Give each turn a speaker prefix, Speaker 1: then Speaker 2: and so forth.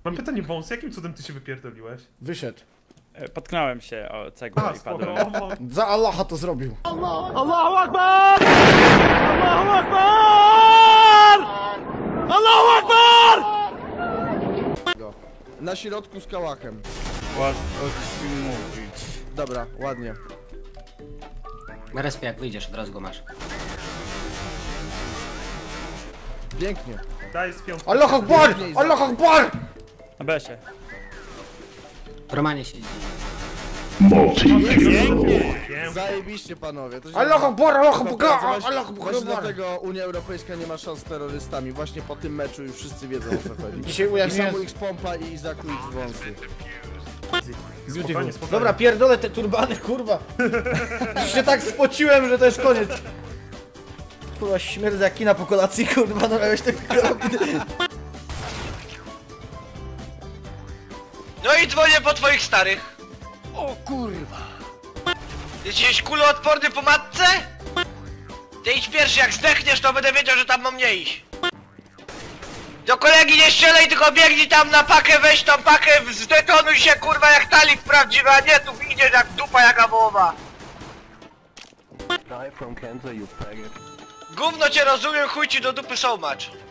Speaker 1: Mam pytanie, Wąs, jakim cudem ty się wypierdoliłeś?
Speaker 2: Wyszedł.
Speaker 3: Potknąłem się o cegłę
Speaker 1: A,
Speaker 3: i
Speaker 1: spoko,
Speaker 3: padłem.
Speaker 2: Za Allaha to zrobił.
Speaker 4: Allahu Akbar! Allahu Akbar! Allahu Akbar!
Speaker 5: Na środku z kałachem.
Speaker 3: What mówić?
Speaker 5: Dobra, ładnie.
Speaker 6: Na respie jak wyjdziesz, od razu go masz.
Speaker 5: Pięknie.
Speaker 1: Daj z piątką.
Speaker 2: Allah Akbar! Allah Akbar!
Speaker 3: Na besie.
Speaker 6: W Romanie siedzi.
Speaker 5: Zajebiście, panowie. To się
Speaker 2: Allah Akbar! Allah Akbar!
Speaker 5: Właśnie-
Speaker 2: Allah
Speaker 5: Właśnie
Speaker 2: Akbar!
Speaker 5: dlatego Unia Europejska nie ma szans z terrorystami. Właśnie po tym meczu już wszyscy wiedzą, o co chodzi.
Speaker 2: Dzisiaj
Speaker 5: I
Speaker 2: ujawniłem...
Speaker 5: Samu X Pompa i Izaku X Wąsy.
Speaker 1: Spokojnie, spokojnie.
Speaker 2: Dobra, pierdolę te turbany, kurwa. Już się tak spociłem, że to jest koniec. Kurwa, śmierdzę jak kina po kolacji, kurwa, no miałeś tak...
Speaker 7: No i dzwonię po twoich starych. O kurwa. Jesteś kuloodporny po matce? Ty idź pierwszy, jak zdechniesz, to będę wiedział, że tam mam nie iść. Do kolegi nie strzelaj, tylko biegnij tam na pakę, weź tą pakę, zdetonuj się kurwa jak talik prawdziwy, a nie tu idziesz jak dupa jaka wołowa. Gówno cię rozumiem, chuj ci do dupy so much.